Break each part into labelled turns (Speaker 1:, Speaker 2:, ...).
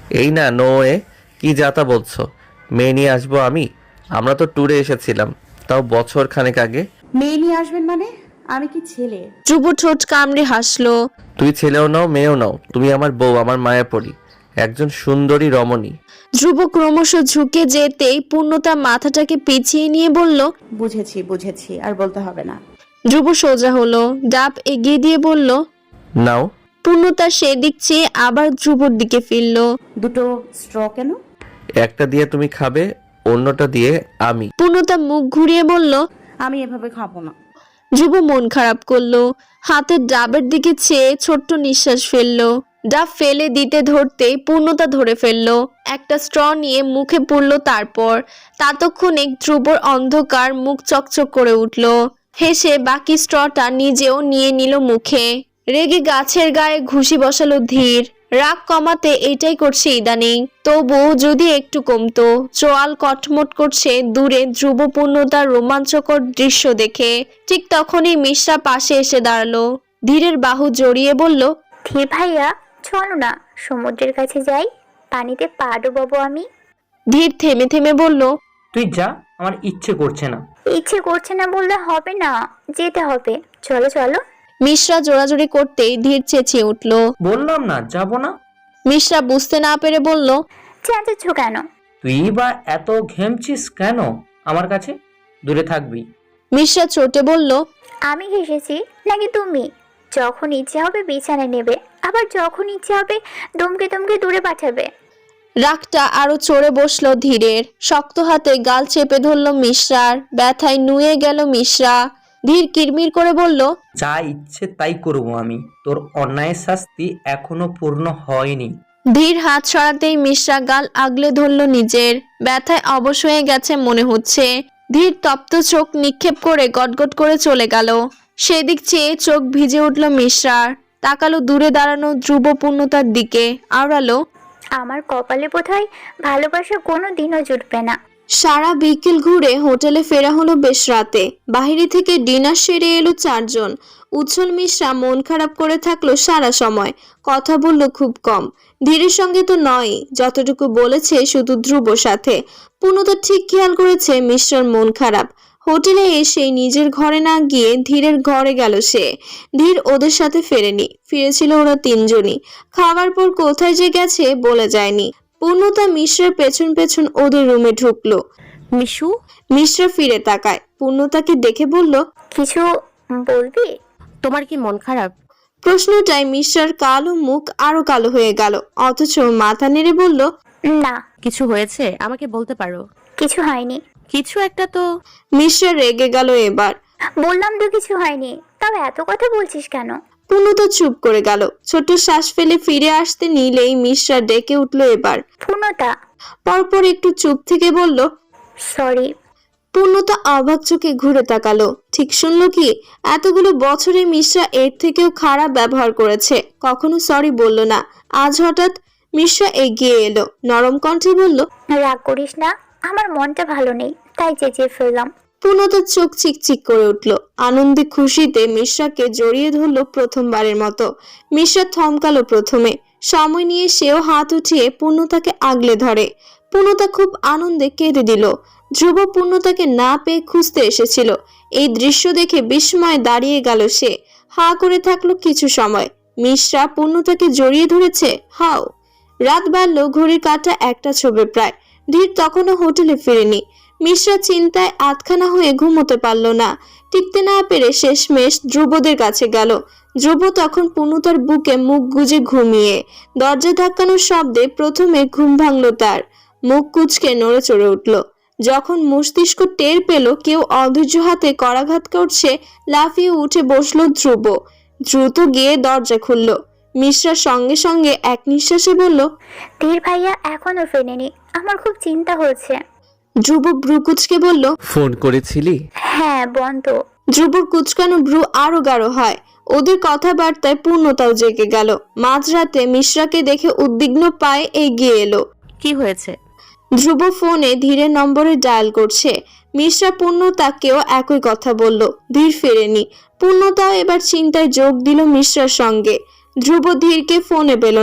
Speaker 1: এই না নো এ, কি যাতা বলছো? মেয়ে নিয়ে আসবো আমি? আমরা তো ট্যুরে এসেছিলাম, তাও বছর খানেক আগে।
Speaker 2: মেয়ে নিয়ে আসবেন মানে? আমি কি ছেলে?
Speaker 3: ধ্রুব ঠোঁট কামড়ে হাসলো।
Speaker 1: তুই ছেলেও নাও মেয়েও নাও, তুমি আমার বউ, আমার মায়াপরি, একজন সুন্দরী রমণী।
Speaker 3: ধ্রুব ক্রমশ ঝুঁকে যেতেই পূর্ণতা মাথাটাকে পিছিয়ে নিয়ে বলল,
Speaker 2: বুঝেছি বুঝেছি, আর বলতে হবে না।
Speaker 3: ধ্রুব সোজা হলো, ডাব এগিয়ে দিয়ে বলল।
Speaker 1: নাও।
Speaker 3: পূর্ণতা সেদিক চেয়ে আবার ধ্রুবর দিকে ফিরল।
Speaker 2: দুটো স্ট্র কেন?
Speaker 1: একটা দিয়ে তুমি খাবে, অন্যটা দিয়ে আমি।
Speaker 3: পূর্ণতা মুখ ঘুরিয়ে বলল।
Speaker 2: আমি এভাবে খাবো না।
Speaker 3: ধ্রুব মন খারাপ করলো, হাতের ডাবের দিকে চেয়ে ছোট্ট নিঃশ্বাস ফেললো। ডাব ফেলে দিতে ধরতেই পূর্ণতা ধরে ফেললো, একটা স্ট্র নিয়ে মুখে পুরলো। তারপর ততক্ষণে ধ্রুবর অন্ধকার মুখ চকচক করে উঠল। হেসে বাকি স্ট্রটা নিজেও নিয়ে নিল মুখে। রেগে গাছের গায়ে ঘুষি বসালো ধীর। রাগ কমাতে এটাই করছে ইদানিং, তবু যদি একটু কমতো। চোয়াল কটমট করছে দূরে ধ্রুব পূর্ণতার রোমাঞ্চকর দৃশ্য দেখে। ঠিক তখনই মিশ্রা পাশে এসে দাঁড়ালো, ধীরের বাহু জড়িয়ে বলল।
Speaker 4: ধীর ভাইয়া, চলো না সমুদ্রের কাছে যাই, পানিতে পা ডুবাবো আমি।
Speaker 3: ধীর থেমে থেমে বলল।
Speaker 5: তুই যা, আমার ইচ্ছে করছে না।
Speaker 4: ইচ্ছে করছে না বললে হবে না, যেতে হবে, চলো চলো।
Speaker 3: মিশ্রা জোরাজোরি করতেই ধীর চেঁচিয়ে উঠল।
Speaker 5: বললাম না যাব না।
Speaker 3: মিশ্রা বুঝতে না পেরে বলল।
Speaker 4: চেঁচাচ্ছ কেন?
Speaker 5: তুই বা এত ঘেমছিস কেন আমার কাছে? দূরে থাকবি।
Speaker 3: মিশ্রা চটে বলল।
Speaker 4: আমি ঘেসেছি নাকি তুমি? যখন ইচ্ছে হবে বিছানায় নেবে, আবার যখন ইচ্ছে হবে দমকে দমকে দূরে পাঠাবে।
Speaker 3: রাগটা আরো চড়ে বসলো ধীরের। শক্ত হাতে গাল চেপে ধরল মিশ্রার, ব্যথায় নুয়ে গেল মিশ্রা। ধীর কিরমির করে বলল।
Speaker 5: যা ইচ্ছে তাই করবো আমি, তোর অন্যায়ের শাস্তি এখনো পূর্ণ হয়নি।
Speaker 3: ধীর হাত সরাতেই মিশ্রা গাল আগলে ধরল নিজের, ব্যথায় অবশ হয়ে গেছে মনে হচ্ছে। ধীর তপ্ত চোখ নিক্ষেপ করে গটগট করে চলে গেল। সেদিক চেয়ে চোখ ভিজে উঠল মিশ্রার। তাকালো দূরে দাঁড়ানো ধ্রুব পূর্ণতার দিকে, আওড়ালো।
Speaker 4: আমার কপালে বোধহয় ভালোবাসা কোনো দিনও জুটবে না।
Speaker 3: সারা বিকেল ঘুরে হোটেলে ফেরা হলো বেশ রাতে। বাহিরে থেকে ডিনার সেরে এলো চারজন। উজ্জ্বল মিশ্রা মন খারাপ করে থাকলো সারা সময়, কথা বলল খুব কম। ধীরের সঙ্গে তো নয়, যতটুকু বলেছে শুধু ধ্রুব সাথে। পূর্ণতা ঠিক খেয়াল করেছে মিশ্রার মন খারাপ। হোটেলে এসে নিজের ঘরে না গিয়ে ধীরের ঘরে গেল সে। ধীর ওদের সাথে ফেরেনি, ফিরেছিল ওরা তিনজনই। খাওয়ার পর কোথায় যে গেছে বলে যায়নি। পূর্ণতা মিশ্রার পেছন পেছন ওদের রুমে ঢুকলো।
Speaker 6: মিশু,
Speaker 3: মিশ্রা ফিরে তাকায়, পূর্ণতাকে দেখে বলল।
Speaker 4: কিছু বলবি?
Speaker 6: তোমার কি মন খারাপ?
Speaker 3: প্রশ্নটায় মিশ্রার কালো মুখ আরো কালো হয়ে গেল, অথচ মাথা নেড়ে বলল।
Speaker 4: না।
Speaker 6: কিছু হয়েছে? আমাকে বলতে পারো।
Speaker 4: কিছু হয়নি।
Speaker 6: কিছু একটা তো।
Speaker 3: মিশ্রা রেগে গেল এবার।
Speaker 4: বললাম তো কিছু হয়নি, তবে এত কথা বলছিস কেন?
Speaker 3: পূর্ণতা চুপ করে গেল। ছোট শ্বাস ফেলে ফিরে আসতে নিলেই মিশ্রা ডেকে উঠল এবার।
Speaker 4: পূর্ণতা।
Speaker 3: পরপর একটু চুপ থেকে বলল।
Speaker 4: সরি।
Speaker 3: পূর্ণতা অবাক চোখে ঘুরে তাকালো। ঠিক শুনলো কি? এতগুলো বছরে মিশ্রা এর থেকেও খারাপ ব্যবহার করেছে, কখনো সরি বলল না। আজ হঠাৎ? মিশ্রা এগিয়ে এলো, নরম কণ্ঠে বলল।
Speaker 4: রাগ করিস না, আমার মনটা ভালো নেই, তাই চেঁচিয়ে ফেললাম।
Speaker 3: পূর্ণতার চোখ চিকচিক করে উঠল। আনন্দে খুশিতে মিশ্রাকে জড়িয়ে ধরলো প্রথমবারের মতো। মিশ্রা থমকালো প্রথমে, সময় নিয়ে সেও হাত উঠিয়ে পূর্ণতাকে আগলে ধরে। পূর্ণতা খুব আনন্দে কেঁদে দিল। ধ্রুব পূর্ণতাকে না পেয়ে খুঁজতে এসেছিল। এই দৃশ্য দেখে বিস্ময়ে দাঁড়িয়ে গেল সে। হা করে থাকলো কিছু সময়। মিশ্রা পূর্ণতাকে জড়িয়ে ধরেছে হাও। রাত বাড়লো, ঘড়ির কাঁটা একটা ছবে প্রায়। ধীর তখনও হোটেলে ফিরেনি। মিশ্রা চিন্তায় আতখানা হয়ে ঘুমোতে পারল না। টিকতে না পেরে শেষমেশ ধ্রুবদের কাছে গেল। ধ্রুব তখন পূর্ণতার বুকে মুখ গুজে ঘুমিয়ে। দরজা ধাক্কানোর শব্দে প্রথমে ঘুম ভাঙল তার। মুখ কুঁচকে নড়ে চড়ে উঠল। যখন মস্তিষ্ক টের পেল কেউ অধৈর্য হাতে করাঘাত করছে, লাফিয়ে উঠে বসলো ধ্রুব। দ্রুত গিয়ে দরজা খুলল। মিশ্রা সঙ্গে সঙ্গে এক নিঃশ্বাসে বলল।
Speaker 4: ধীর ভাইয়া এখনো ফেরেনি, আমার খুব চিন্তা হচ্ছে।
Speaker 3: ধ্রুব ভ্রু কুচকে বলল।
Speaker 1: ফোন করেছিলি?
Speaker 4: হ্যাঁ, বন্ধ।
Speaker 3: ধ্রুবর কুচকানো ভ্রু আরো গাঢ় হয়। ওদের কথাবার্তায় পূর্ণতাও জেগে গেল। মাঝরাতে মিশ্রাকে দেখে উদ্বিগ্ন পায়ে এগিয়ে এলো।
Speaker 6: কি হয়েছে?
Speaker 3: ধ্রুব ফোনে ধীরের নম্বরে ডায়াল করছে। মিশ্রা পূর্ণতাকেও একই কথা বলল। ধীর ফেরেনি। পূর্ণতাও এবার চিন্তায় যোগ দিল মিশ্রার সঙ্গে। ধ্রুব ধীরকে ফোনে পেল না।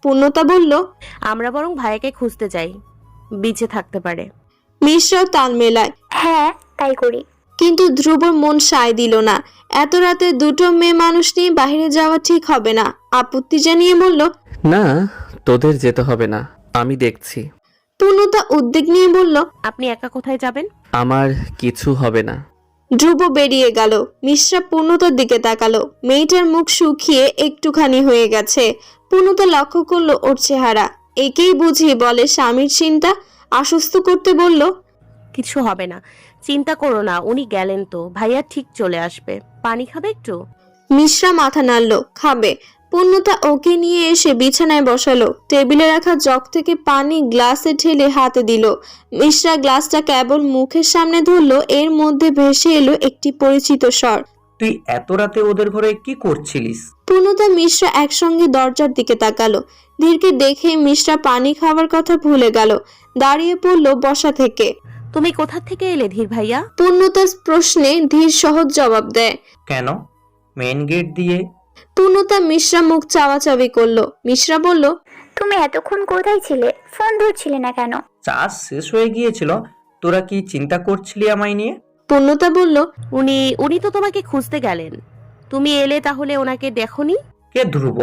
Speaker 3: পূর্ণতা বলল,
Speaker 6: আমরা বরং ভাইয়াকে খুঁজতে যাই, বিচে থাকতে পারে।
Speaker 3: মিশ্রাও তাল মেলায়,
Speaker 4: হ্যাঁ তাই করি।
Speaker 3: কিন্তু ধ্রুবর মন সায় দিল না। এত রাতে দুটো মেয়ে মানুষ নিয়ে বাইরে যাওয়া ঠিক হবে না। আপত্তি জানিয়ে বলল,
Speaker 1: না, তোদের যেতে হবে না, আমি দেখছি।
Speaker 3: পূর্ণতা উদ্বেগ নিয়ে বলল,
Speaker 6: আপনি একা কোথায় যাবেন?
Speaker 1: আমার কিছু হবে না।
Speaker 3: ধ্রুব বেরিয়ে গেল। মিশ্রা পূর্ণতার দিকে তাকালো। মেয়েটার মুখ শুকিয়ে একটুখানি হয়ে গেছে। পূর্ণতা লক্ষ্য করলো ওর চেহারা। একেই বুঝি বলে স্বামীর চিন্তা। আশ্বস্ত করতে বলল,
Speaker 6: কিছু হবে না, চিন্তা করো না, উনি গেলেন তো, ভাইয়া ঠিক চলে আসবে। পানি খাবে একটু?
Speaker 3: মিশ্রা মাথা নাড়ল, খাবে। পূর্ণতা ওকে নিয়ে এসে বিছানায় বসালো। টেবিলে রাখা জগ থেকে পানি গ্লাসে ঢেলে হাতে দিল। মিশ্রা গ্লাসটা কেবল মুখের সামনে ধরলো, এর মধ্যে ভেসে এলো একটি পরিচিত স্বর।
Speaker 5: তুই এত রাতে ওদের ঘরে কি করছিলিস?
Speaker 3: পূর্ণতা মিশ্রা একসঙ্গে দরজার দিকে তাকালো। ধীরকে দেখে মিশ্রা পানি খাওয়ার কথা ভুলে গেল। দাঁড়িয়ে পড়লো বসা থেকে।
Speaker 6: তুমি কোথা থেকে এলে ধীর ভাইয়া?
Speaker 3: পূর্ণতার প্রশ্নে ধীর সহজ জবাব দেয়।
Speaker 5: কেন? মেন গেট দিয়ে।
Speaker 3: পূর্ণতা মিশ্রা মুখ চাওয়াচাওয়ি করলো। মিশ্রা বলল,
Speaker 4: তুমি এতক্ষণ কোথায় ছিলে? ফোন ধরছিলে না কেন?
Speaker 5: চার্জ শেষ হয়ে গিয়েছিল। তোরা কি চিন্তা করছিলি আমায় নিয়ে?
Speaker 3: পূর্ণতা বলল,
Speaker 6: উনি তো তোমাকে খুঁজতে গেলেন, তুমি এলে তাহলে ওনাকে দেখোনি?
Speaker 5: কে ধ্রুব?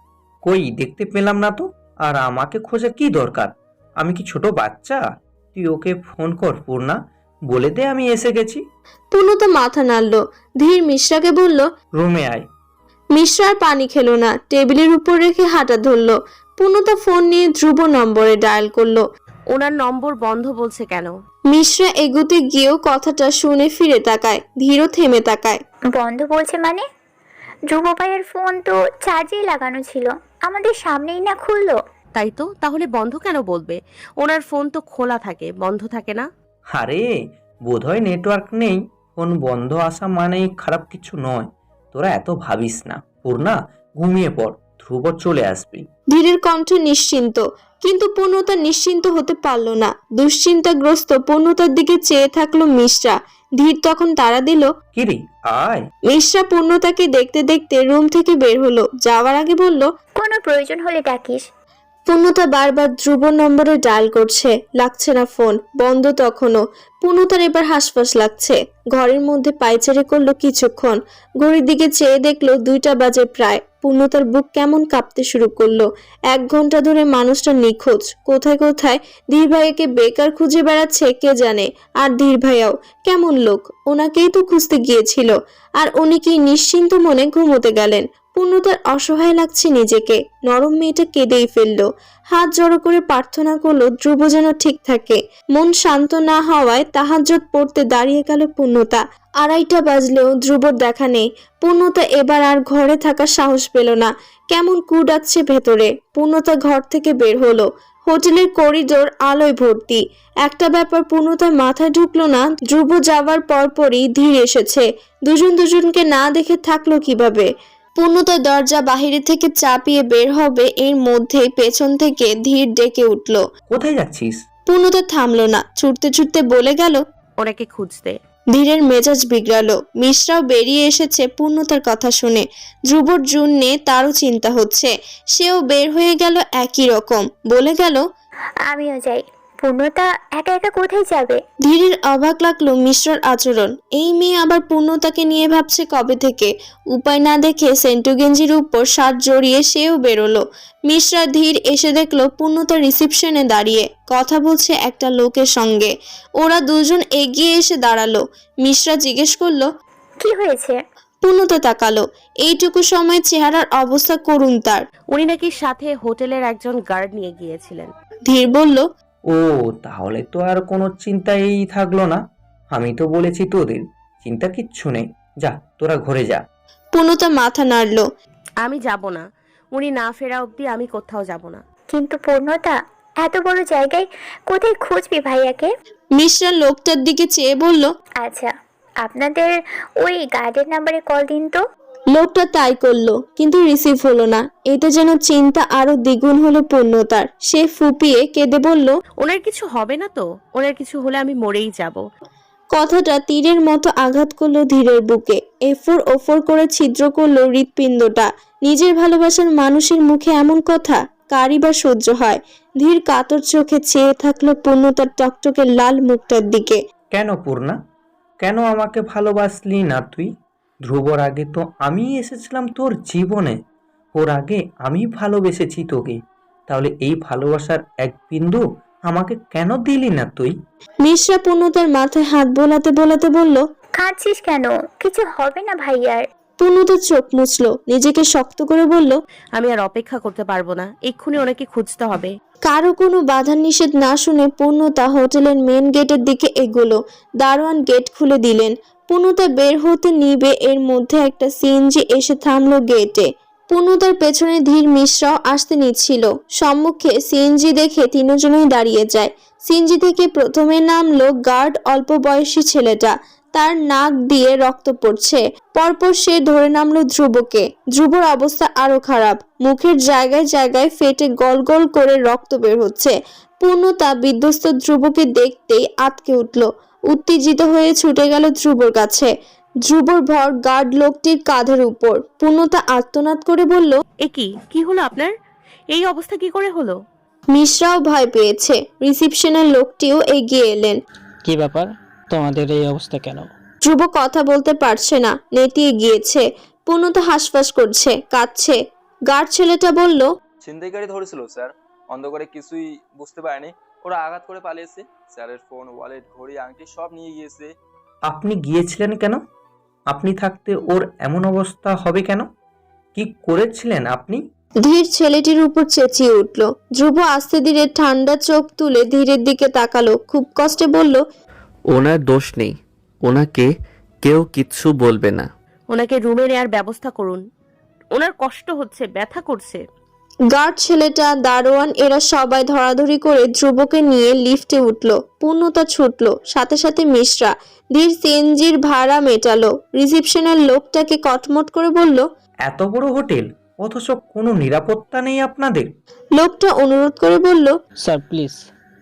Speaker 5: কই দেখতে পেলাম না তো। আর আমাকে খোঁজা কি দরকার? আমি কি ছোট বাচ্চা? তুই ওকে ফোন কর পূর্ণা, বলে দে আমি এসে গেছি।
Speaker 3: পূর্ণতা মাথা নাড়ল। ধীর মিশ্রাকে বলল,
Speaker 5: রুমে আয়।
Speaker 3: মিশ্রা আর পানি খেলো না। টেবিলের উপর রেখে হাঁটা ধরলো। পূর্ণতা ফোন নিয়ে ধ্রুব নম্বরে ডায়াল করলো।
Speaker 6: ওনার নম্বর বন্ধ বলছে কেন?
Speaker 3: মিশ্রা এগুতে গিয়েও কথাটা শুনে ফিরে তাকায়। ধীরও থেমে তাকায়।
Speaker 4: বন্ধ বলছে মানে? ধ্রুব ভাইয়ের ফোন তো চার্জেই লাগানো ছিল, আমাদের সামনেই না খুললো।
Speaker 6: তাই তো, তাহলে বন্ধ কেন বলবে? ওনার ফোন তো খোলা থাকে, বন্ধ থাকে না।
Speaker 5: আরে বোধহয় নেটওয়ার্ক নেই। ফোন বন্ধ আসা মানেই খারাপ কিছু নয়। তোরা এত ভাবিস না পূর্ণা, ঘুমিয়ে পড়, ধ্রুব চলে আসবি।
Speaker 3: ধীরের কণ্ঠ নিশ্চিন্ত, কিন্তু পূর্ণতা নিশ্চিন্ত হতে পারল না। দুশ্চিন্তাগ্রস্ত পূর্ণতার দিকে চেয়ে থাকলো মিশ্রা। ধীর তখন তাড়া দিল।
Speaker 5: কিরে আয়।
Speaker 3: মিশ্রা পূর্ণতাকে দেখতে দেখতে রুম থেকে বের হলো। যাওয়ার আগে বলল,
Speaker 4: কোনো প্রয়োজন হলে ডাকিস।
Speaker 3: পূর্ণতা বারবার ধ্রুব নম্বরে ডায়াল করছে, লাগছে না ফোন, বন্ধ তখনও। পূর্ণতার এবার হাসফাস লাগছে। ঘরের মধ্যে পায়চারি করলো কিছুক্ষণ। ঘড়ির দিকে চেয়ে দেখলো 2টা বাজে প্রায়। পূর্ণতার বুক কেমন কাঁপতে শুরু করলো। 1 ঘন্টা ধরে মানুষটা নিখোঁজ। কোথায় কোথায় ধীর ভাইয়াকে বেকার খুঁজে বেড়াচ্ছে কে জানে। আর ধীর ভাইয়াও কেমন লোক, ওনাকেই তো খুঁজতে গিয়েছিল। আর উনি কি নিশ্চিন্ত মনে ঘুমোতে গেলেন। পূর্ণতার অসহায় লাগছে নিজেকে। নরম মেয়েটা কেঁদেই ফেললো। হাত জড়ো করে প্রার্থনা করলো ধ্রুব যেন ঠিক থাকে। মন শান্ত না হওয়ায় তাহাজ্জুদ পড়তে দাঁড়িয়ে গেল পূর্ণতা। 2:30 বাজলেও ধ্রুবর দেখা নেই। পূর্ণতা এবার আর ঘরে থাকার সাহস পেল না। কেমন কু ডাকছে ভেতরে। পূর্ণতা ঘর থেকে বের হলো। হোটেলের করিডোর আলোয় ভর্তি। একটা ব্যাপার পূর্ণতার মাথায় ঢুকলো না, ধ্রুব যাওয়ার পরপরই ধীর এসেছে। দুজনকে না দেখে থাকলো কিভাবে। পূর্ণতা দরজা বাহিরে থেকে চাপিয়ে বের হবে, এর মধ্যেই পেছন থেকে ধীর ডেকে উঠল।
Speaker 5: কোথায় যাচ্ছিস?
Speaker 3: পূর্ণতা থামলো না, ছুটতে ছুটতে বলে গেল,
Speaker 6: ওনাকে খুঁজতে।
Speaker 3: ধীরের মেজাজ বিগড়ালো। মিশ্রাও বেরিয়ে এসেছে পূর্ণতার কথা শুনে। ধ্রুবর জন্যে তারও চিন্তা হচ্ছে। সেও বের হয়ে গেল একই রকম, বলে গেল,
Speaker 4: আমিও যাই। পূর্ণতা একা একা কোথায় যাবে?
Speaker 3: ধীরের অবাক লাগলো মিশ্রার আচরণ। এই মেয়ে আবার পূর্ণতাকে নিয়ে ভাবছে কবে থেকে। উপায় না দেখে সেন্টু গেঞ্জির উপর শার্ট জড়িয়ে সেও বেরোলো। মিশ্রা ধীর এসে দেখলো পূর্ণতা রিসেপশনে দাঁড়িয়ে কথা বলছে একটা লোকের সঙ্গে। ওরা দুজন এগিয়ে এসে দাঁড়ালো। মিশ্রা জিজ্ঞেস করলো,
Speaker 4: কি হয়েছে?
Speaker 3: পূর্ণতা তাকালো। এইটুকু সময় চেহারার অবস্থা করুণ তার।
Speaker 6: উনি নাকি সাথে হোটেলের একজন গার্ড নিয়ে গিয়েছিলেন।
Speaker 3: ধীর বলল,
Speaker 5: ও তাহলে তো আর কোনো চিন্তাই থাকলো না। আমি তো বলেছি তোদের চিন্তা কিচ্ছু নেই। যা তোরা ঘরে যা।
Speaker 3: পূর্ণতা মাথা নাড়ল।
Speaker 6: আমি যাব না, উনি না ফেরা অবধি আমি কোথাও যাব না।
Speaker 4: কিন্তু পূর্ণতা, এত বড় জায়গায় কোথায় খুঁজবি ভাইয়াকে?
Speaker 3: মিশ্রা লোকটার দিকে চেয়ে বলল,
Speaker 4: আচ্ছা, আপনাদের ওই গার্ডের নাম্বারে কল দিন তো।
Speaker 3: লোকটা তাই করলো, কিন্তু রিসিভ হলো না। এতে যেন চিন্তা আরো দ্বিগুণ হলো পূর্ণতার। সে ফুপিয়ে কেঁদে বলল,
Speaker 6: ওনার কিছু হবে না তো? ওনার কিছু হলে আমি মরেই যাব।
Speaker 3: কথাটা তীরের মতো আঘাত করলো ধীরের বুকে। এফোর ওফোর করে ছিদ্র করলো হৃৎপিণ্ডটা। নিজের ভালোবাসার মানুষের মুখে এমন কথা কারই বা সহ্য হয়। ধীর কাতর চোখে চেয়ে থাকলো পূর্ণতার টকটকে লাল মুখটার দিকে।
Speaker 5: কেন পূর্ণা, কেন আমাকে ভালোবাসলি না তুই? ধ্রুবর আগে তো আমি এসেছিলাম তোর জীবনে, ওর আগে আমি ভালোবেসেছি তোকে। তাহলে এই ভালোবাসার এক বিন্দু আমাকে কেন দিলি না তুই?
Speaker 3: মিশ্রা পূর্ণতার মাথায় হাত বোলাতে বোলাতে বলল।
Speaker 4: কাঁদছিস কেন? কিছু হবে না ভাইয়ার।
Speaker 3: পূর্ণতা চোখ মুছলো, নিজেকে শক্ত করে বলল,
Speaker 6: আমি আর অপেক্ষা করতে পারবো না, এক্ষুনি ওনাকে খুঁজতে হবে।
Speaker 3: কারো কোনো বাধা নিষেধ না শুনে পূর্ণতা হোটেলের মেন গেটের দিকে এগোলো। দারোয়ান গেট খুলে দিলেন। পূর্ণতা বের হতে নিবে এর মধ্যে একটা সিএনজি এসে থামলো গেটে। পূর্ণতার পেছনে ধীর মিশ্রাও আসতে নিচ্ছিল। সম্মুখে সিএনজি দেখে তিনজনেই দাঁড়িয়ে যায়। সিএনজি থেকে প্রথমে নামলো গার্ড, অল্প বয়সী ছেলেটা। তার নাক দিয়ে রক্ত পড়ছে। পরপর সে ধরে নামলো ধ্রুবকে। ধ্রুবর অবস্থা আরো খারাপ, মুখের জায়গায় জায়গায় ফেটে গল গল করে রক্ত বের হচ্ছে। পূর্ণতা বিধ্বস্ত ধ্রুবকে দেখতেই আঁতকে উঠল। উত্তেজিত হয়ে ছুটে গেল ধ্রুবর কাছে। ধ্রুবর ভর গার্ড লোকটির কাঁধের উপর। পূর্ণতা আর্তনাদ করে বলল,
Speaker 6: কি হলো আপনার? এই অবস্থা কি করে হলো?
Speaker 3: মিশ্রাও ভয় পেয়েছে। রিসিপশনের লোকটিও এগিয়ে এলেন।
Speaker 7: কি ব্যাপার, তোমাদের এই অবস্থা কেন?
Speaker 3: ধ্রুব কথা বলতে পারছে না, নেতিয়ে গিয়েছে। পূর্ণতা হাসফাস করছে, কাঁদছে। গার্ড ছেলেটা বলল,
Speaker 8: ছিনতাইকারী ধরেছিল স্যার, অন্ধকারে কিছুই বুঝতে পারেনি, ওরা আঘাত করে পালিয়েছে। স্যারের ফোন, ওয়ালেট, ঘড়ি, আংটি সব নিয়ে গিয়েছে।
Speaker 5: আপনি গিয়েছিলেন কেন? আপনি থাকতে ওর এমন অবস্থা হবে কেন? কি করেছিলেন আপনি?
Speaker 3: ধীর ছেলেটির উপর চেঁচিয়ে উঠল। ধ্রুব আস্তে ধীরে ঠান্ডা চোখ তুলে ধীরের দিকে তাকালো। খুব কষ্টে বলল,
Speaker 1: ওনার দোষ নেই, ওনাকে কেউ কিচ্ছু বলবে না।
Speaker 6: ওনাকে রুমে নেওয়ার ব্যবস্থা করুন, ওনার কষ্ট হচ্ছে, ব্যথা করছে।
Speaker 3: গার্ড ছেলেটা, দারোয়ান এরা সবাই ধরাধরি করে ধ্রুবকে নিয়ে লিফটে উঠল। পূর্ণতা ছুটল, সাথে সাথে মিশ্রা। ধীর সিএনজির ভাড়া মেটালো। রিসিপশনের লোকটাকে কটমট করে বলল,
Speaker 5: এত বড় হোটেল অথচ কোনো নিরাপত্তা নেই আপনাদের?
Speaker 3: লোকটা অনুরোধ করে বলল,
Speaker 7: স্যার প্লিজ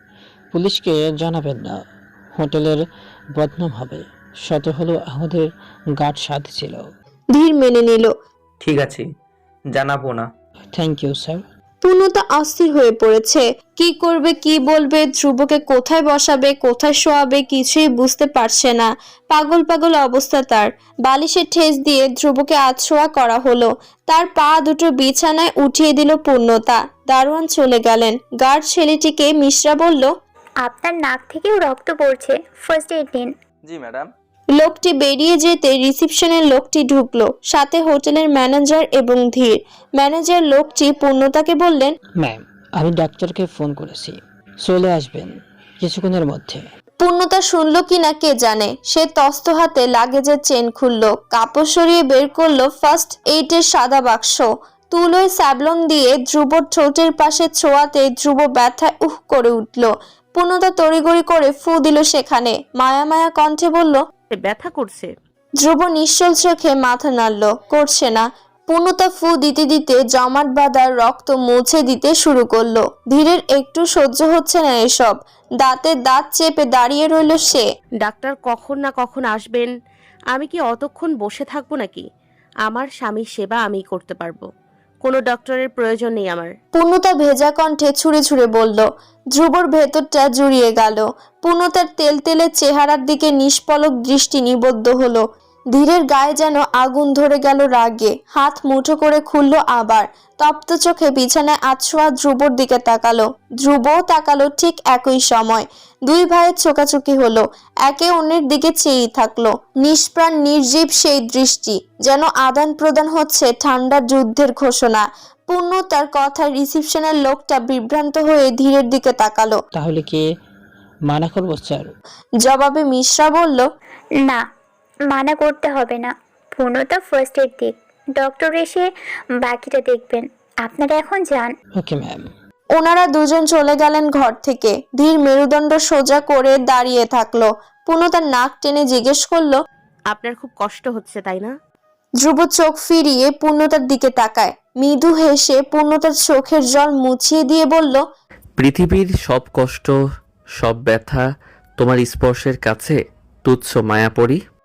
Speaker 7: পুলিশকে জানাবেন না, হোটেলের বদনাম হবে। শত হলো আমাদের গার্ড সাথে ছিল।
Speaker 3: ধীর মেনে নিল।
Speaker 5: ঠিক আছে, জানাবো না।
Speaker 7: Thank you sir.
Speaker 3: পূর্ণতা অস্থির হয়ে পড়েছে। কি করবে, কি বলবে, ধ্রুবকে কোথায় বসাবে, কোথায় শোয়াবে কিছুই বুঝতে পারছে না। পাগল পাগল অবস্থা তার। বালিশে ঠেস দিয়ে ধ্রুবকে আছোয়া করা হলো। তার পা দুটো বিছানায় উঠিয়ে দিল পূর্ণতা। দারোয়ান চলে গেলেন। গার্ড ছেলেটিকে মিশ্রা বলল,
Speaker 4: আপনার নাক থেকেও রক্ত পড়ছে, ফার্স্ট এড নিন।
Speaker 8: জি ম্যাডাম।
Speaker 3: লোকটি বেরিয়ে যেতে রিসিপশনের লোকটি ঢুকলো, সাথে হোটেলের ম্যানেজার এবং ধীর। ম্যানেজার লোকটি পূর্ণতাকে বললেন,
Speaker 7: ম্যাম আমি ডাক্তারকে ফোন করেছি, চলে আসবেন কিছুক্ষণের মধ্যে।
Speaker 3: পূর্ণতা শুনলো কিনা কে জানে। সে তস্ত হাতে লাগেজের চেন খুললো, কাপড় সরিয়ে বের করলো ফার্স্ট এইডের সাদা বাক্স। তুলোয় স্যাবলন দিয়ে ধ্রুবর ঠোঁটের পাশে ছোঁয়াতে ধ্রুব ব্যথায় উহ করে উঠল। পূর্ণতা তড়িগড়ি করে ফু দিল সেখানে। মায়া মায়া কণ্ঠে বলল,
Speaker 6: ব্যথা করছে।
Speaker 3: ধ্রুব নিশ্চল চোখে মাথা নাড়ল, করছে না। পূর্ণতা ফু দিতে দিতে জমাট বাঁধা রক্ত মুছে দিতে শুরু করলো। ধীরের একটু সহ্য হচ্ছে না এসব। দাঁতে দাঁত চেপে দাঁড়িয়ে রইল সে।
Speaker 6: ডাক্তার কখন না কখন আসবেন, আমি কি অতক্ষণ বসে থাকবো নাকি? আমার স্বামীর সেবা আমি করতে পারবো, কোনো ডক্টরের প্রয়োজন নেই আমার।
Speaker 3: পূর্ণতা ভেজা কণ্ঠে ছুঁড়ে ছুঁড়ে বলল। ধ্রুবর ভেতরটা জুড়িয়ে গেল। পূর্ণতার তেলতেলে চেহারার দিকে নিষ্পলক দৃষ্টি নিবদ্ধ হলো। ধীরের গায়ে যেন আগুন ধরে গেল রাগে। হাত মুঠো করে খুলল আবার। তপ্ত চোখে বিছানায় আছোয়া ধ্রুবর দিকে তাকালো। ধ্রুবও তাকালো ঠিক একই সময়। দুই ভাইয়ের চোকাচুকি হলো। একে অন্যের দিকে চেয়েই থাকলো। নিষ্প্রাণ নির্জীব সেই দৃষ্টি, যেন আদান প্রদান হচ্ছে ঠান্ডা যুদ্ধের ঘোষণা। পূর্ণতার কথায় রিসিপশনের লোকটা বিভ্রান্ত হয়ে ধীরের দিকে তাকালো।
Speaker 7: তাহলে কি মানা করবো স্যার?
Speaker 3: জবাবে মিশ্রা বলল,
Speaker 4: না, মানা করতে হবে না। পূর্ণতা ফার্স্ট এড দিক, ডক্টর এসে বাকিটা দেখবেন। আপনারা এখন যান।
Speaker 7: Okay ma'am.
Speaker 3: ওনারা দুজন চলে গেলেন ঘর থেকে। ধীর মেরুদণ্ড সোজা করে দাঁড়িয়ে থাকলো। পূর্ণতার নাক টেনে জিজ্ঞেস করলো,
Speaker 6: আপনার খুব কষ্ট হচ্ছে তাই না?
Speaker 3: ধ্রুব চোখ ফিরিয়ে পূর্ণতার দিকে তাকায়। মৃদু হেসে পূর্ণতার চোখের জল মুছিয়ে দিয়ে বলল,
Speaker 1: পৃথিবীর সব কষ্ট, সব ব্যথা তোমার স্পর্শের কাছে তুচ্ছ মায়াপরি।